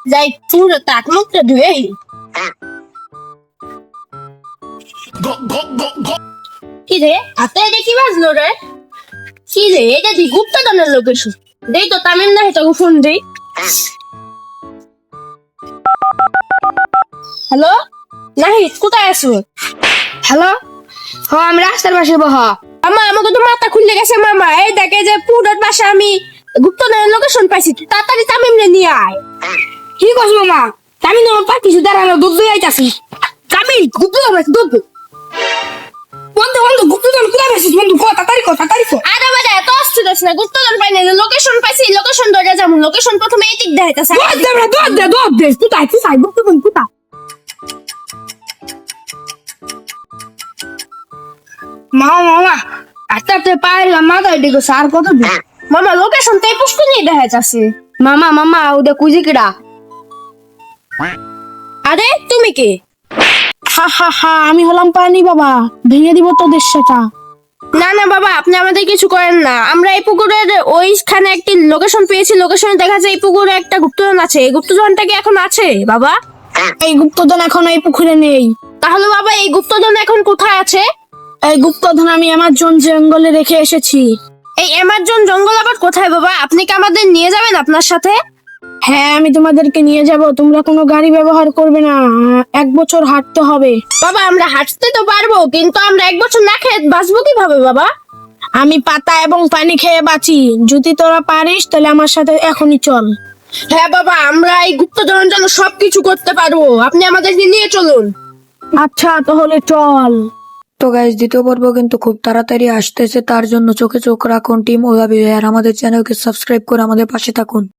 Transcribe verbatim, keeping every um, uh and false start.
যাই পুরো তাক মুখটা ধুয়ে কি রে হাতে এটা কি বাজলো রে? কি রে এটা দি গুপ্তধনের লোকেশন দেই তো তামিম না এটা ফোন দেই। হ্যালো নাহিদ কোথায় আছো? হ্যালো, হ আমি রাস্তার পাশে বহ। মামা আমাকে তো মাথা খুলে গেছে মামা, এই দেখে যে পুরোর পাশে আমি গুপ্তধনের লোকেশন পাইছি, তুই তাড়াতাড়ি তামিম রে নিয়ে আয়। কি করছ মামা? আমি তোমার পা কিছু দাঁড়ানো দুধ দিয়ে আইতাছি। তামিম গুপ্তধন আছে দুধ। বন্ধু বন্ধু গুপ্তধন কোথায় পেয়েছিস বন্ধু? ক তাড়াতাড়ি ক তাড়াতাড়ি ক। আরে বাবা এত অস্থির হচ্ছে না, গুপ্তধন পাই না, লোকেশন পাইছি, লোকেশন ধরে যাবো। লোকেশন প্রথমে এই দিক দেখাইতেছে। দৌড় দে রে, দৌড় দে দৌড় দে। কোথায় কোথায় গুপ্তধন কোথায়? মামা মামা আস্তে আস্তে পাইলাম মাথায় দিকে সার কত দূর? মামা লোকেশন তো এই পুষ্কুনি দেখা যাচ্ছে। মামা মামা ওদের কুজি কিডা? আরে তুমি কে? হা হা হা আমি হলাম পানি বাবা, ভেঙে দিব তোদের সেটা। না না বাবা আপনি আমাদের কিছু করেন না, আমরা এই পুকুরের ওইখানে একটি লোকেশন পেয়েছি, লোকেশনে দেখা যায় এই পুকুরে একটা গুপ্তধন আছে। এই গুপ্তধনটা কি এখন আছে বাবা? এই গুপ্তধন এখন এই পুকুরে নেই। তাহলে বাবা এই গুপ্তধন এখন কোথায় আছে? এই গুপ্তধন আমি আমার জন জঙ্গলে রেখে এসেছি। এই অ্যামাজন জঙ্গল আবার কোথায় বাবা? আপনি কি আমাদের নিয়ে যাবেন আপনার সাথে? হ্যাঁ আমি তোমাদেরকে নিয়ে যাব, তোমরা কোনো গাড়ি ব্যবহার করবে না, এক বছর হাঁটতে হবে। বাবা আমরা হাঁটতে তো পারবো, কিন্তু আমরা এক বছর না খেয়ে বাঁচবো কিভাবে বাবা? আমি পাতা এবং পানি খেয়ে বাঁচি, যদি তোরা পারিস তাহলে আমার সাথে এখনই চল। হ্যাঁ বাবা আমরা এই গুপ্তধনের জন্য সবকিছু করতে পারবো, আপনি আমাদেরকে নিয়ে চলুন। আচ্ছা তাহলে চল। তো গাইজ দ্বিতীয় পর্ব কিন্তু খুব তাড়াতাড়ি আসতেছে, তার জন্য চোখে চোখ রাখুন টিম ওভাবে, আর আমাদের চ্যানেলকে সাবস্ক্রাইব করে আমাদের পাশে থাকুন।